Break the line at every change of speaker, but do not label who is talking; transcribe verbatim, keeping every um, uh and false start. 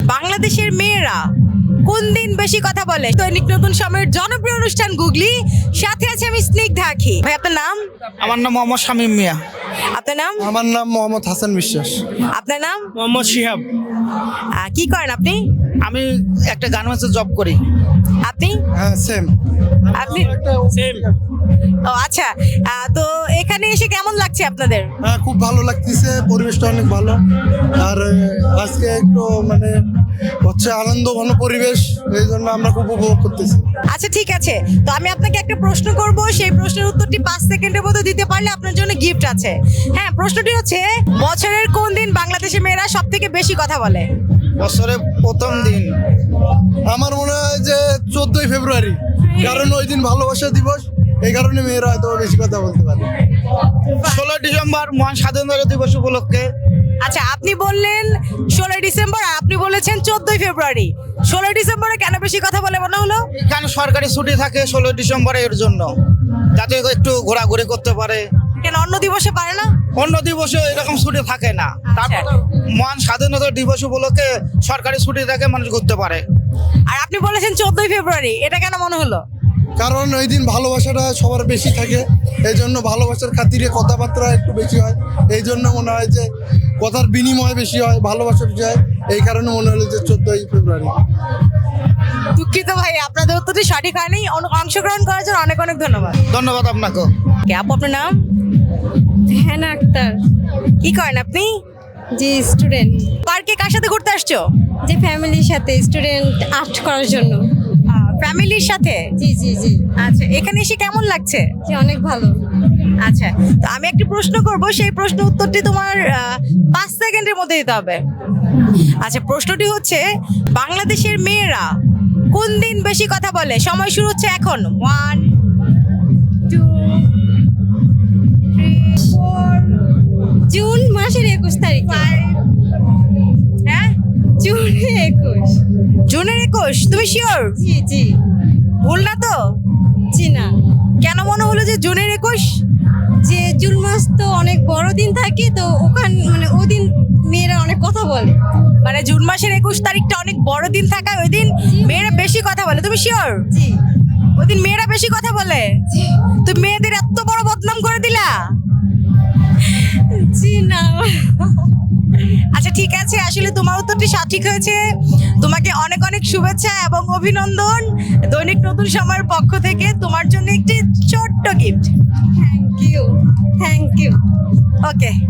বাংলাদেশের মেয়েরা কোন দিন বেশি কথা বলে? দৈনিক নতুন সময়ের জনপ্রিয় অনুষ্ঠান গুগলি, সাথে আছে আমি স্নিগ্ধা আঁখি। ভাই আপনার নাম?
আমার নাম মোহাম্মদ শামীম মিয়া।
আপনার নাম?
আমার নাম মোহাম্মদ হাসান বিশ্বাস।
আপনার নাম?
মোহাম্মদ শিহাব।
আহ, কি করেন আপনি?
আমি একটা গার্মেন্টসে জব করি।
আপনি?
হ্যাঁ সেম।
আপনি?
সেম।
ও আচ্ছা, আহ, তো এখানে এসে কেমন লাগছে আপনাদের?
হ্যাঁ খুব ভালো লাগতেছে, পরিবেশটা অনেক ভালো। আর আহ, আজকে একটু মানে হচ্ছে আনন্দ ঘন পরিবেশ, এই জন্য আমরা খুব উপভোগ করতেছি।
আচ্ছা ঠিক আছে, তো আমি আপনাকে একটা প্রশ্ন করব, সেই প্রশ্নের উত্তরটি পাঁচ সেকেন্ডের মধ্যে দিতে পারলে আপনার জন্য গিফট আছে। হ্যাঁ, প্রশ্নটি হচ্ছে বছরের কোন দিন বাংলাদেশের মেয়েরা সব থেকে বেশি কথা বলে?
বছরের প্রথম দিন
আমার মনে হয় যে চোদ্দই ফেব্রুয়ারি, কারণ ওই দিন ভালোবাসা দিবস, এই কারণে মেয়েরা হয়তো বেশি কথা বলতে পারে।
ষোলোই ডিসেম্বর মহান স্বাধীনতা দিবস উপলক্ষে।
আচ্ছা, আপনি বললেন ষোলোই ডিসেম্বর আর আপনি বলেছেন চোদ্দই ফেব্রুয়ারি। ষোলোই ডিসেম্বরে কেন বেশি কথা বলে মনে হলো?
এখানে সরকারি ছুটি থাকে ষোলোই ডিসেম্বরে, এর জন্য যাতে একটু ঘোরাঘুরি করতে পারে।
কেন অন্য দিবসে পারে না?
অন্য দিবসে এরকম ছুটি থাকে না। তারপর মহান স্বাধীনতা দিবস উপলক্ষে সরকারি ছুটি থাকে, মানুষ ঘুরতে পারে।
আর আপনি বলেছেন চোদ্দই ফেব্রুয়ারি, এটা কেন মনে হলো?
কারণ ওই দিন ভালোবাসাটা সবার বেশি থাকে, এই জন্য ভালোবাসার খাতিরে কথাবার্তা একটু বেশি হয়, এই জন্য মনে হয় যে কথার বিনিময় বেশি হয়, ভালোবাসা বেশি হয়, এই কারণে মনে হলো যে চোদ্দই ফেব্রুয়ারি।
দুঃখিত ভাই, আপনাদের উত্তরটি সঠিক হয়নি। অন- অংশগ্রহণ করার জন্য অনেক অনেক ধন্যবাদ।
ধন্যবাদ আপনাকে।
কে আপু, আপনার নাম?
হ্যাঁ আক্তার।
কি করেন আপনি?
জি স্টুডেন্ট।
পার্কে কার সাথে ঘুরতে আসছো?
যে ফ্যামিলির সাথে স্টুডেন্ট আর্ট করার জন্য।
ফ্যামিলির সাথে?
জি জি জি
আচ্ছা, এখানে এসে কেমন লাগছে?
জি অনেক ভালো।
আচ্ছা, তো আমি একটা প্রশ্ন করব, সেই প্রশ্ন উত্তরটি তোমার আহ, পাঁচ সেকেন্ডের মধ্যে দিতে হবে। আচ্ছা, প্রশ্নটি হচ্ছে বাংলাদেশের মেয়েরা কোন দিন বেশি কথা বলে? সময় শুরু হচ্ছে এখন। ওয়ান, টু, থ্রি, ফোর,
জুন মাসের একুশ তারিখ।
ফাইভ। হ্যাঁ,
জুন একুশ।
জুনের একুশ। তুমি শিওর?
জি জি
ভুল না তো?
জি না।
কেন মনে হলো যে জুনের একুশ?
যে জুন মাস তো অনেক বড় দিন থাকে, তো ওখান মানে ওই দিন মেয়েরা অনেক কথা বলে।
মানে জুন মাসের একুশ তারিখটা অনেক বড় দিন থাকায় ওই দিন মেয়েরা বেশি কথা বলে। তুমি শিওর?
জি
ওই দিন মেয়েরা বেশি কথা বলে? তুমি মেয়েদের এত বড় বদনাম করে দিলা।
জি না।
আচ্ছা ঠিক আছে, আসলে তোমার উত্তরটি সঠিক হয়েছে। তোমাকে অনেক অনেক শুভেচ্ছা এবং অভিনন্দন দৈনিক নতুন সময়ের পক্ষ থেকে। তোমার জন্য একটি ছোট্ট gift.
Thank you thank you.
Okay.